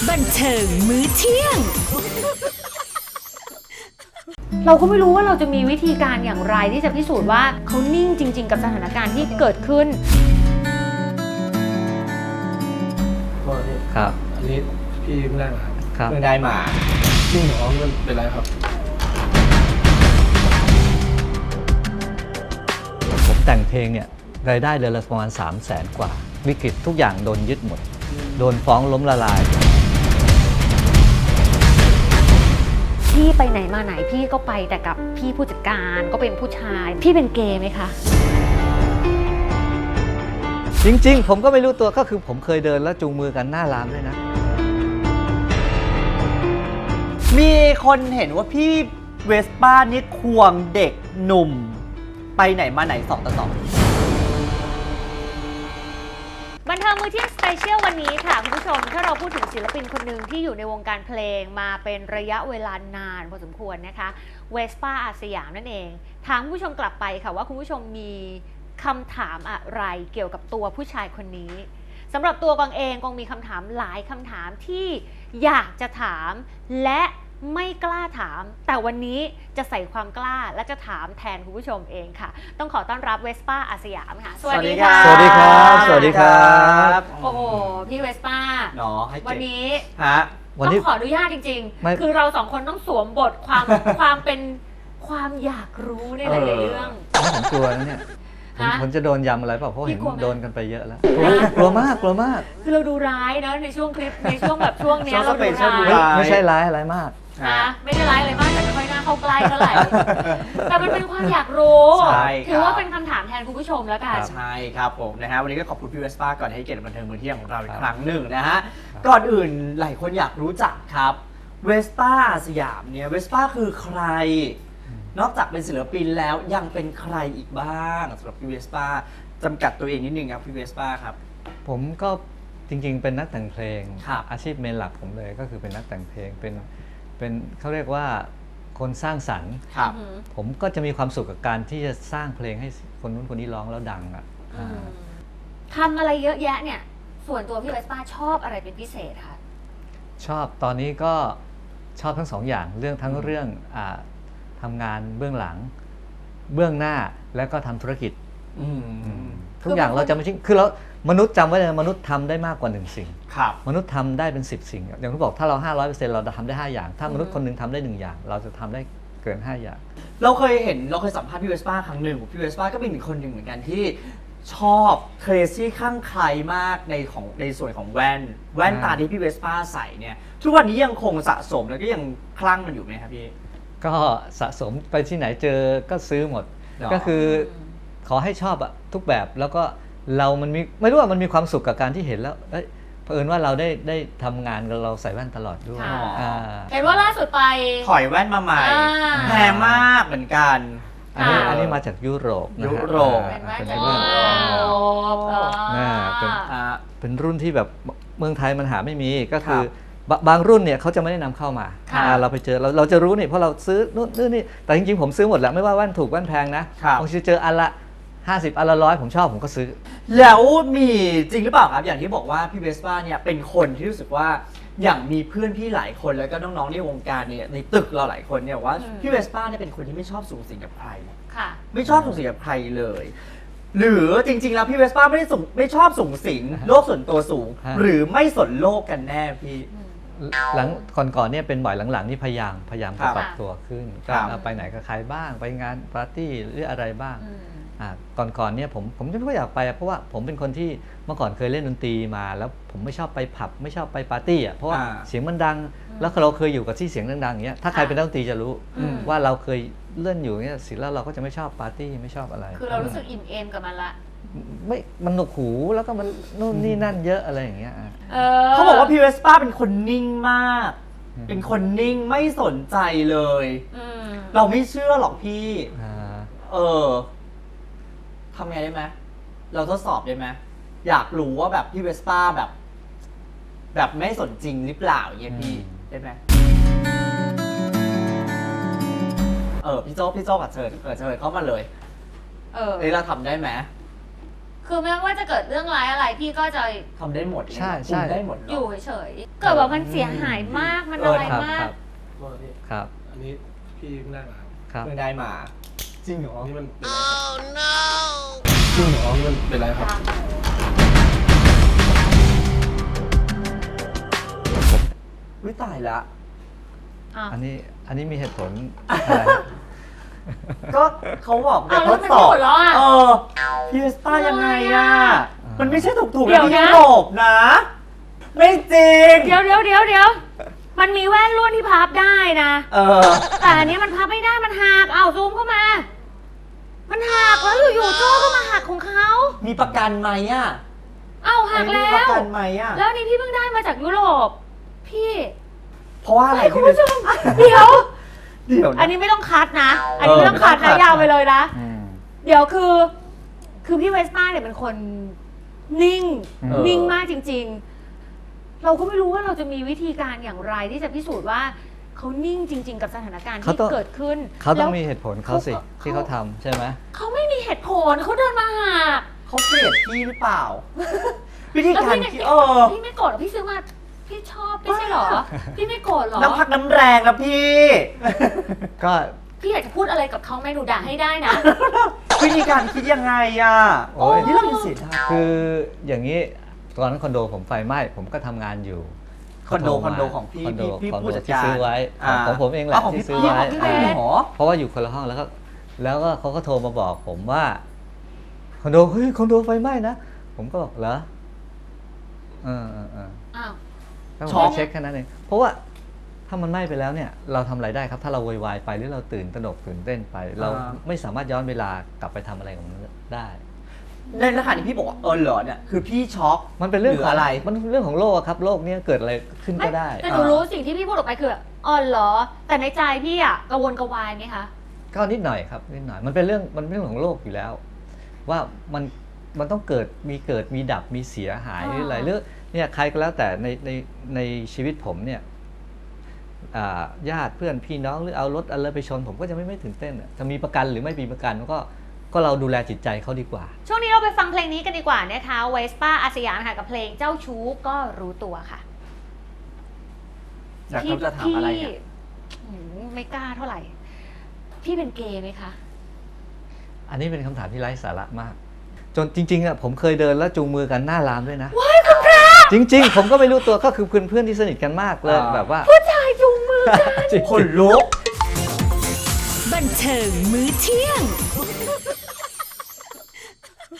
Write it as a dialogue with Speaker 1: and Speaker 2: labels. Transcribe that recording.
Speaker 1: บันเทิงมื้อเที่ยง
Speaker 2: เราก็ไม่รู้ว่าเราจะมีวิธีการอย่างไรที่จะพิสูจน์ว่าเขานิ่งจริงๆกับสถานการณ์ที่เกิดขึ้น
Speaker 3: ครับ
Speaker 4: อันนี้พี่เพิ่งได้มาครับ
Speaker 3: ครับ
Speaker 5: เพิ่งได้มา
Speaker 4: จริงเหรอมันเป็นไรครับ
Speaker 3: ผมแต่งเพลงเนี่ยรายได้เดือนละประมาณ 300,000 กว่า วิกฤตทุกอย่างโดนยึดหมด โดนฟ้องล้มละลาย
Speaker 2: พี่ไปไหนมาไหนพี่ก็ไปแต่กับพี่ผู้จัดการก็เป็นผู้ชาย พี่เป็นเกย์ไหมคะ
Speaker 3: จริงๆ ผมก็ไม่รู้ตัวก็คือผมเคยเดินแล้วจูงมือกันหน้ารามด้วยนะ
Speaker 5: มีคนเห็นว่าพี่เวสป้านี่ควงเด็กหนุ่ม ไปไหนมาไหน2 ต่อ 2
Speaker 2: บันเทิงมื้อเที่ยงสเปเชียลวันนี้ค่ะคุณผู้ชมถ้าเราพูดถึงศิลปินคนหนึ่งที่อยู่ในวงการเพลงมาเป็นระยะเวลานานพอสมควรนะคะเวสป้าอาสยามนั่นเองถามคุณผู้ชมกลับไปค่ะว่าคุณผู้ชมมีคำถามอะไรเกี่ยวกับตัวผู้ชายคนนี้สำหรับตัวกวางเองกวางมีคำถามหลายคำถามที่อยากจะถามและไม่กล้าถามแต่วันนี้จะใส่ความกล้าและจะถามแทนคุณผู้ชมเองค่ะต้องขอต้อนรับเวสป้าอาสยามค่ะสวัสดีค่ะ
Speaker 3: สวัสดีครับ สวัสดีครับ
Speaker 2: โอ้โหพี่เวสป้า
Speaker 5: เนาะให้
Speaker 2: วัน
Speaker 5: เกียรติ
Speaker 2: นี้
Speaker 5: ฮะ
Speaker 3: วัน
Speaker 2: ต้อ
Speaker 3: นี้
Speaker 2: งขออนุญาตจริง
Speaker 3: ไม่
Speaker 2: ๆ คือเราสองคนต้องสวมบทความ ความเป็นความอยากรู้ในหลายๆเรื่อง
Speaker 3: ผมกลัวนะเนี่ยผม
Speaker 2: ฮะ
Speaker 3: ผมจะโดนยำอะไรเปล่าเพราะเห็น
Speaker 2: พี่กลัวไหม
Speaker 3: โดนกันไปเยอะแล้ว กลัวมากกลัวมาก
Speaker 2: คือเราดูร้ายนะในช่วงคลิปในช่วงแบบช่วงเนี้ย
Speaker 5: ช่วง
Speaker 2: เราดู
Speaker 5: special
Speaker 2: ร้าย
Speaker 3: ไม่ใช่ร้ายอะไรมาก
Speaker 2: นะไม่ได้ร้ายอะไรมากแต่ไม่ค่อยน่าเข้าใกล้เท่าไหร่ แต่มันเป็นความอยากรู้
Speaker 5: ใช่ครับ
Speaker 2: ถือว่าเป็นคำถามแทนคุณผู้ชมแล้วกัน
Speaker 5: ใช่ครับผมนะฮะวันนี้ก็ขอบคุณพี่เวสป้าก่อนให้เกียรติบันเทิงมื้อเที่ยงของเราอี
Speaker 3: ค
Speaker 5: ก
Speaker 3: รับ
Speaker 5: ครั้งหนึ่งนะฮะก่อนอื่นหลายคนอยากรู้จักครับเวสป้าสยามเนี่ยเวสป้าคือใคร นอกจากเป็นศิลปินแล้วยังเป็นใครอีกบ้างสำหรับพี่เวสป้าจำกัดตัวเองนิดนึงครับพี่เวสป้าครับ
Speaker 3: ผมก็จริงๆ เป็นนักแต่งเพลง
Speaker 5: ครับ
Speaker 3: อาชีพเมนหลักผมเลยก็คือเป็นนักแต่งเพลงเป็นเขาเรียกว่าคนสร้างสรรค์
Speaker 5: ครับ
Speaker 3: ผมก็จะมีความสุขกับการที่จะสร้างเพลงให้คนนู้นคนนี้ร้องแล้วดังอ่ะ
Speaker 2: ทำอะไรเยอะแยะเนี่ย ส่วนตัวพี่เวสป้าชอบอะไรเป็นพิเศษคะ
Speaker 3: ชอบตอนนี้ก็ชอบทั้งสองอย่างทั้งเรื่องทำงานเบื้องหลัง เบื้องหน้าแล้วก็ทำธุรกิจ ทุกอย่างเราจะไม่ทิ้งคือเรามนุษย์จำไว้เลยนะมนุษย์ทำได้มากกว่า1 สิ่ง
Speaker 5: ครับ
Speaker 3: มนุษย์ทำได้เป็น10 สิ่ง อย่างที่บอกถ้าเรา 500%เราจะทำได้5 อย่าง ถ้ามนุษย์คนหนึงทำได้1 อย่าง เราจะทำได้เกิน5 อย่าง
Speaker 5: เราเคยสัมภาษณ์พี่เวสป้าครั้งหนึ่งพี่เวสป้าก็เป็นอีกคนหนึ่งเหมือนกันที่ชอบเครซี่ข้างใครมากในส่วนของแว่นตาที่พี่เวสป้าใส่เนี่ยทุกวันนี้ยังคงสะสมแล้วก็ยังคลั่งมันอยู่ไหมครับพี่
Speaker 3: ก็สะสมไปที่ไหนเจอก็ซื้อหมด
Speaker 5: หรอ
Speaker 3: ก็คือขอให้ชอบอะทุกแบบแล้วก็เรามันมีไม่รู้ว่ามันมีความสุขกับการที่เห็นแล้วเผอิญว่าเราได้ทำงานกับเราใส่แว่นตลอดด้วย
Speaker 2: ค่ะ
Speaker 3: อ่า
Speaker 2: เห็นว่าล่าสุดไป
Speaker 5: ถอยแว่นมาใหม่
Speaker 2: อ่า
Speaker 5: แพงมากเหมือนกัน
Speaker 3: อันนี้มาจากยุโรปนะฮะ
Speaker 5: ยุโรป
Speaker 2: เป็นแว่น
Speaker 3: เป็น
Speaker 2: โอ้
Speaker 3: แว่น น่าเป็น เป็นรุ่นที่แบบเมืองไทยมันหาไม่มีก็คือบบางรุ่นเนี่ยเขาจะไม่ได้นำเข้ามา
Speaker 2: ค่ะ
Speaker 3: เราไปเจอเราจะรู้นี่เพราะเราซื้อนู่นนี่แต่จริงๆผมซื้อหมดแหละไม่ว่าแว่นถูกแว่นแพงนะครับ บางทีเจออันละ50อันละ100ผมชอบผมก็ซื้อ
Speaker 5: แล้วมีจริงหรือเปล่าครับอย่างที่บอกว่าพี่เวสป้าเนี่ยเป็นคนที่รู้สึกว่าอย่างมีเพื่อนพี่หลายคนแล้วก็น้องๆในวงการเนี่ยในตึกเราหลายคนเนี่ยว่าพี่เวสป้าเนี่ยเป็นคนที่ไม่ชอบสูงสิงกับใคร
Speaker 2: ค่ะ
Speaker 5: ไม่ชอบสูงสิงกับใครเลย หรือจริงๆแล้วพี่เวสป้าไม่ชอบสูงสิงโลกส่วนตัวสูง
Speaker 3: ฮะ
Speaker 5: หรือไม่สนโลกกันแน่พี่
Speaker 3: หลังก่อนๆเนี่ยเป็นบ่อยหลังๆนี่พยายาม
Speaker 5: ครั
Speaker 3: จะ
Speaker 5: บ
Speaker 3: ปรับตัวขึ้น
Speaker 5: ครั
Speaker 3: ก็
Speaker 5: บ
Speaker 3: ไปไหนกับใครบ้างไปงานปาร์ตี้หรืออะไรบ้างก่อนเนี่ยผมไม่ค่อยอยากไปเพราะว่าผมเป็นคนที่เมื่อก่อนเคยเล่นดนตรีมาแล้วผมไม่ชอบไปผับไม่ชอบไปปาร์ตี้อ่ะเพราะว่าเสียงมันดัง แล้วเราเคยอยู่กับที่เสียงดังๆอย่างเงี้ยถ้าใครเป็นนักดนตรีจะรู้ว่าเราเคยเล่นอยู่เงี้ยสิแล้วเราก็จะไม่ชอบปาร์ตี้ไม่ชอบอะไร
Speaker 2: คือเรารู้สึกอิ่มเอมกับมันละ
Speaker 3: ไม่มันหนวกหูแล้วก็มันนู่นนี่นั่นเยอะอะไรอย่างเงี้ย
Speaker 5: เขาบอกว่าพี่เวสป้าเป็นคนนิ่งมาก เป็นคนนิ่งไม่สนใจเลย เราไม่เชื่อหรอกพี่ ทำไงได้ไหมเราทดสอบได้ไหมอยากรู้ว่าแบบพี่เวสป้าแบบไม่สนจริงหรือเปล่าอย่างเงี้ยพี่ได้ไหมพี่โจ้กับเชิญเข้ามาเลยเราทำได้ไหม
Speaker 2: คือไม่ว่าจะเกิดเรื่องร้ายอะไรพี่ก็จะ
Speaker 5: ทำได้หมด
Speaker 3: ใช่
Speaker 5: คุมได้หมดเหร
Speaker 2: อยู่เฉยๆเกิดว่ามันเสียหายมากมันอะไร
Speaker 3: ครับ
Speaker 2: มา
Speaker 3: ค
Speaker 2: ก
Speaker 3: รับ
Speaker 4: โทษพี่
Speaker 3: ครับ
Speaker 4: อันนี้พี่เพิ่งได้มาครับ
Speaker 3: ครับ
Speaker 5: เพิ่งได้มา จริงเหรอ
Speaker 4: อันนี้มันเป็นอะไรจริงเหรอมันเป็นไรครับ
Speaker 5: วิตายละ
Speaker 3: อันนี้มีเหตุผลอะไรฮะ
Speaker 5: ก็เขาบอก
Speaker 2: อ้าว
Speaker 5: ท
Speaker 2: แล้ว
Speaker 5: ด
Speaker 2: มัน
Speaker 5: สอบ
Speaker 2: หมดแล้วอะ
Speaker 5: พี่เวสป้ายังไงอะ
Speaker 3: อ่ามั
Speaker 5: มันไม่ใช่ถูกๆ
Speaker 2: เดี๋ยว
Speaker 5: ที่
Speaker 2: นะ
Speaker 5: ยุโรปนะ ไม่จริง
Speaker 2: เดี๋ยวมันมีแว่นรุ่นที่พับได้นะ แต่อันนี้มันพับไม่ได้มันหักเอาซูมเข้ามา มันหักแล้วอยู่ๆโจ้ก็มาหักของเขา
Speaker 5: มีประกันไหมอะ
Speaker 2: เอาหักแล้
Speaker 5: มีประ
Speaker 2: ว
Speaker 5: กันไหมอะ
Speaker 2: แล้วอันนี้พี่เพิ่งได้มาจากยุโรปพี่
Speaker 5: เพราะว่าอะไร
Speaker 2: ให้คุณ
Speaker 5: พี่เว
Speaker 2: ผู้
Speaker 5: ส
Speaker 2: ชมเดี๋ยว
Speaker 5: เดี๋ยว
Speaker 2: อัน
Speaker 5: นะ
Speaker 2: นี้ไม่ต้องคัดนะ อันนี้ไม่ต้องคัด
Speaker 5: ไม่ต้องคั
Speaker 2: นะ
Speaker 5: ด
Speaker 2: ยาวไปเลยนะ
Speaker 3: อืม
Speaker 2: เดี๋ยวคือพี่เวสป้าเนี่ยเป็นคนนิ่ง นิ่งมากจริง ๆ เราก็ไม่รู้ว่าเราจะมีวิธีการอย่างไรที่จะพิสูจน์ว่าเขานิ่งจริง ๆ กับสถานการณ์ที่เกิดขึ้น
Speaker 3: เขาต้อง
Speaker 2: แล้ว
Speaker 3: มีเหตุผลเขาสิที่เขาทำใช่ไหม
Speaker 2: เขาไม่มีเหตุผลเขาเดินมาหัก
Speaker 5: เขาเกลียดพี่หรือเปล่า วิธี
Speaker 2: แล้ว
Speaker 5: การ
Speaker 2: พี่
Speaker 5: ที่
Speaker 2: พี่ไม่โกรธหรอพี่ซื้อมาพี่ชอบไม่ใช่เหรอ พี่ไม่โกรธเหรอ
Speaker 5: น้ำพักน้ำแรงนะพี่
Speaker 3: ก็
Speaker 2: พี่อยากจะพูดอะไรกับเขาไหมหนูด่าให้ได้นะ
Speaker 5: วิธีการคิดยังไงอะ
Speaker 3: โอ้ย
Speaker 5: นี่เราเป็นเสียดาย
Speaker 3: คืออย่างนี้ตอนนั้นคอนโดผมไฟไหม้ผมก็ทำงานอยู่
Speaker 5: คอนโด
Speaker 3: เขาโทรมา
Speaker 5: ของพี่
Speaker 3: คอนโด
Speaker 5: พี่
Speaker 3: คอน
Speaker 5: ผู้
Speaker 3: โด
Speaker 5: จัด
Speaker 3: ที่
Speaker 5: การ
Speaker 3: ซื้อไว้
Speaker 5: า
Speaker 3: ของผมเองแหละ
Speaker 5: ของ
Speaker 3: ที่
Speaker 5: พี่
Speaker 3: ซื้อ
Speaker 5: พี่
Speaker 3: ไว้
Speaker 5: ของพี่เวส
Speaker 3: เพราะว่าอยู่คนละห้องแล้วก็เขาก็โทรมาบอกผมว่าคอนโดเฮ้ยคอนโดไฟไหม้นะผมก็บอกเหรอเออ
Speaker 2: อ้าว
Speaker 3: แล้วผ
Speaker 5: ช็
Speaker 3: ม
Speaker 5: อก
Speaker 3: ก็เช็คแค่นั้นเองเพราะว่าถ้ามันไหม้ไปแล้วเนี่ยเราทำอะไรได้ครับ ถ้าเราโวยวายไปหรือเราตื่นตระหนกตื่นเต้นไป เราไม่สามารถย้อนเวลากลับไปทำอะไรของมันได้
Speaker 5: ในขณะที่พี่บอกว่าเหรอเนี่ยคือพี่ช็อก
Speaker 3: มันเป็นเรื่อง
Speaker 5: ห
Speaker 3: ของ
Speaker 5: อะไร
Speaker 3: มันเป็นเรื่องของโลกอะครับโลกเนี้ยเกิดอะไรขึ้นก็ได้
Speaker 2: แต่หนูรู้สิ่งที่พี่พูดออกไปคือแบบอ๋อเหรอ แต่ในใจพี่อะกระวนกระวายไหมคะ
Speaker 3: ก็นิดหน่อยครับนิดหน่อยมันเป็นเรื่องของโลกอยู่แล้ว ว่ามันต้องเกิดมีดับมีเสียหาย
Speaker 2: อ๋อ
Speaker 3: หรืออะไรหรือเนี่ยใครก็แล้วแต่ในชีวิตผมเนี่ยญาติเพื่อนพี่น้องหรือเอารถอะไรไปชนผมก็จะไม่ตื่นเต้นอะจะมีประกันหรือไม่มีประกันก็เราดูแลจิตใจเขาดีกว่า
Speaker 2: ช่วงนี้เราไปฟังเพลงนี้กันดีกว่านะคะเวสป้าอาสยามค่ะกับเพลงเจ้าชู้ก็รู้ตัวค่ะ
Speaker 5: อยากเขาจะถามอะไรเนี่ย
Speaker 2: ไม่กล้าเท่าไหร่ พี่เป็นเกย์ไหมคะ
Speaker 3: อันนี้เป็นคำถามที่ไร้สาระมาก จนจริงๆอะผมเคยเดินแล้วจูงมือกันหน้ารามด้วยนะ
Speaker 2: ว้ายคุณพระ
Speaker 3: จริง ๆ ผมก็ไม่รู้ตัวก็คือเพื่อนที่สนิทกันมากเลยแบบว่า
Speaker 2: ผู้ชายจูงมือกัน
Speaker 3: จริง
Speaker 5: คนลุก
Speaker 1: บันเทิงมื้อเที่ยง